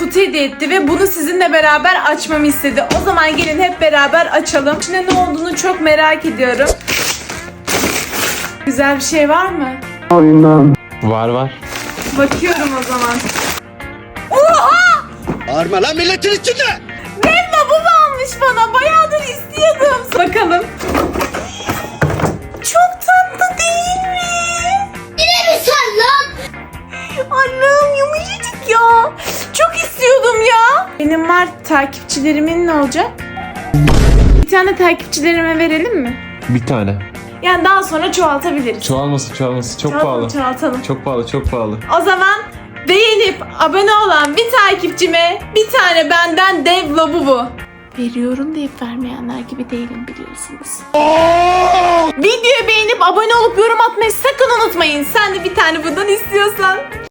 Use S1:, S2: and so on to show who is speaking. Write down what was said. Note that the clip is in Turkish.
S1: kutu hediye etti ve bunu sizinle beraber açmamı istedi. O zaman gelin hep beraber açalım. İçinde ne olduğunu çok merak ediyorum. Güzel bir şey var mı?
S2: Var.
S1: Bakıyorum o zaman. Oha!
S3: Bağırma lan milletin içinde!
S1: Dev lavabo almış bana. Bayağıdır istiyordum. Bakalım. Çok tatlı değil mi?
S4: Yine mi sen lan?
S1: Annem yumuşacık ya. Çok istiyordum ya. Benim var, takipçilerimin ne olacak? Bir tane takipçilerime verelim mi?
S2: Bir tane.
S1: Yani daha sonra çoğaltabiliriz.
S2: Çoğalması. Çok
S1: Çoğaltalım,
S2: pahalı.
S1: çoğaltalım.
S2: Çok pahalı.
S1: O zaman beğenip abone olan bir takipçime bir tane benden dev lavabo. Veriyorum deyip vermeyenler gibi değilim, biliyorsunuz. Videoyu beğenip abone olup yorum atmayı sakın unutmayın. Sen de bir tane bundan istiyorsan.